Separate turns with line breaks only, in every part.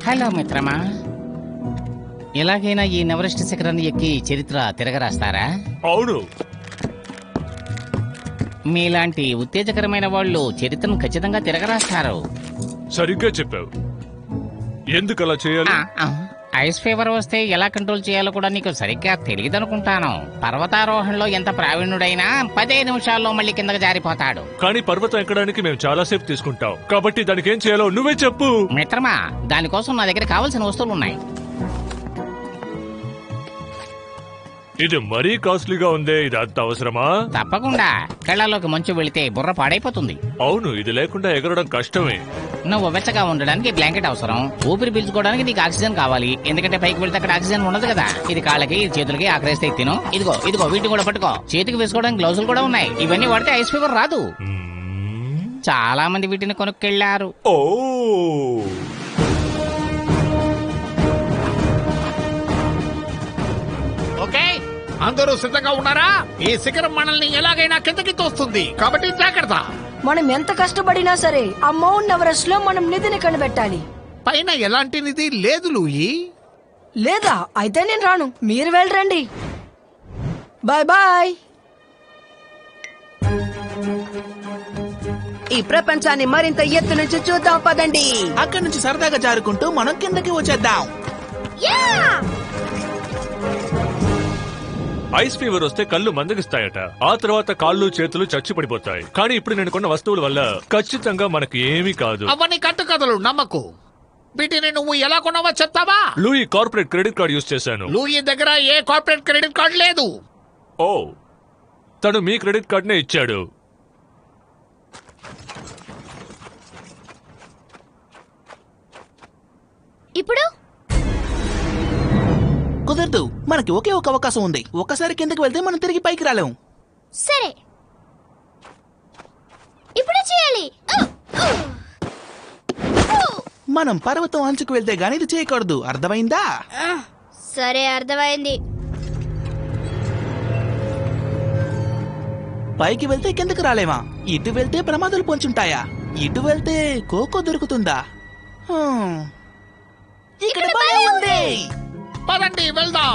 Hello మిత్రమా, ఎలాగైనా ఈ నెవరెస్ట్ శిఖరాన్ని ఎక్కి చరిత్ర తిరగరాస్తారా?
అవును.
మీలాంటి ఉత్తేజకరమైన వాళ్ళు చరిత్రను ఖచ్చితంగా తిరగరాస్తారు.
సరిగ్గా చెప్పావు. ఎందుకు అలా చేయాలి?
ఐస్ ఫీవర్ వస్తే ఎలా కంట్రోల్ చేయాలో కూడా నీకు సరిగ్గా తెలియదనుకుంటాను. పర్వతారోహణలో ఎంత ప్రావీణ్యుడైనా 15 నిమిషాల్లో మళ్ళీ కిందకి జారిపోతాడు.
కానీ పర్వతం ఎక్కడానికి మేము చాలా సేపు తీసుకుంటాం, కాబట్టి దానికి ఏం చేయాలో నువ్వే చెప్పు.
మిత్రమా, దానికోసం నా దగ్గర కావాల్సిన వస్తువులు ఉన్నాయి.
ఇది మరీ కాస్ట్లీగా ఉందే, ఇది అంత అవసరమా?
తప్పకుండా. కళ్ళలోకి మంచు వెళితే బుర్ర పాడైపోతుంది.
అవును, ఇది లేకుండా ఎగరడం కష్టమే.
నువ్వు వెచ్చగా ఉండడానికి బ్లాంకెట్ అవసరం. ఊపిరి పీల్చుకోవడానికి నీకు ఆక్సిజన్ కావాలి, ఎందుకంటే పైకి వెళ్తే అక్కడ ఆక్సిజన్ ఉండదు కదా. ఇది కాళ్ళకి చేతులకి ఆకరేస్తే తిను. ఇదిగో ఇదిగో వీటిని కూడా పట్టుకో. చేతికి వేసుకోవడానికి గ్లౌజులు కూడా ఉన్నాయి. ఇవన్నీ వాడితే ఐస్ ఫీవర్ రాదు. చాలా మంది వీటిని కొనుక్కెళ్లారు.
ఓ,
ఓకే, అందరూ సిద్ధంగా ఉన్నారా? ఈ శిఖరం మనల్ని ఎలాగైనా కిందకి తోస్తుంది, కాబట్టి జాగ్రత్త.
మనం ఎంత కష్టపడినా సరే ఆ మౌంట్ ఎవరెస్ట్ లో మనం నిధిని కనిపెట్టాలి.
పైన ఎలాంటి నిధి లేదు లూయి.
లేదా అయితే నేను రాను, మీరు వెళ్ళరండి. Bye bye.
ఈ ప్రపంచాన్ని మరింత ఎత్తు నుంచి చూద్దాం పదండి.
అక్కడి నుంచి సరదాగా జారుకుంటూ మనం కిందకి వచ్చేద్దాం.
ఐస్ ఫీవర్ వస్తే కళ్ళు మందగిస్తాయట. ఆ తర్వాత కాళ్ళు చేతులు చచ్చి పడిపోతాయి. కానీ ఇప్పుడు నేను కొన్న వస్తువుల వల్ల ఖచ్చితంగా మనకు ఏమీ కాదు.
అవన్నీ కట్టుకథలు, నమ్మకు. వీటిని నువ్వు ఎలా కొన్నావో చెప్తావా?
Louis corporate credit card use చేశాను.
లూయి దగ్గర ఏ కార్పొరేట్ క్రెడిట్ కార్డు లేదు.
ఓ, తను మీ క్రెడిట్ కార్డునే ఇచ్చాడు.
ఇప్పుడు
కుదరదు, మనకి ఒకే ఒక అవకాశం ఉంది. ఒక్కసారి కిందకి వెళ్తే మనం తిరిగి పైకి రాలేం.
సరే, ఇప్పుడే చేయాలి.
మనం పర్వతం అంచుకు వెళ్తే గానీ ఇది చేయకూడదు, అర్థమైందా?
సరే, అర్థమైంది.
పైకి వెళ్తే కిందకి రాలేమా? ఇటు వెళ్తే ప్రమాదాలు పొంచుంటాయా? ఇటు వెళ్తే కోకో దొరుకుతుందా? ఇక్కడ భలే ఉంది.
పదండి, వెళ్దాం.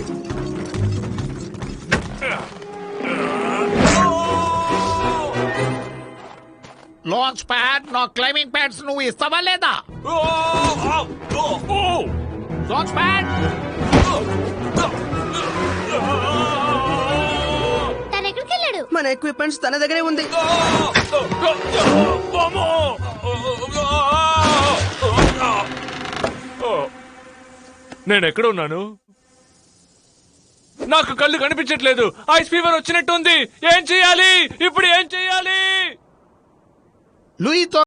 లాంచ్ ప్యాడ్, నా క్లైంబింగ్ ప్యాడ్స్ నువ్వు ఇస్తావా లేదా? Launch pad.
తను ఎక్కడికి వెళ్ళాడు?
మన ఎక్విప్మెంట్స్ తన దగ్గరే ఉంది.
నేను ఎక్కడ ఉన్నాను? నాకు కళ్ళు కనిపించట్లేదు. ఐస్ ఫీవర్ వచ్చినట్టుంది. ఏం చెయ్యాలి ఇప్పుడు? ఏం చెయ్యాలి?
లూయితో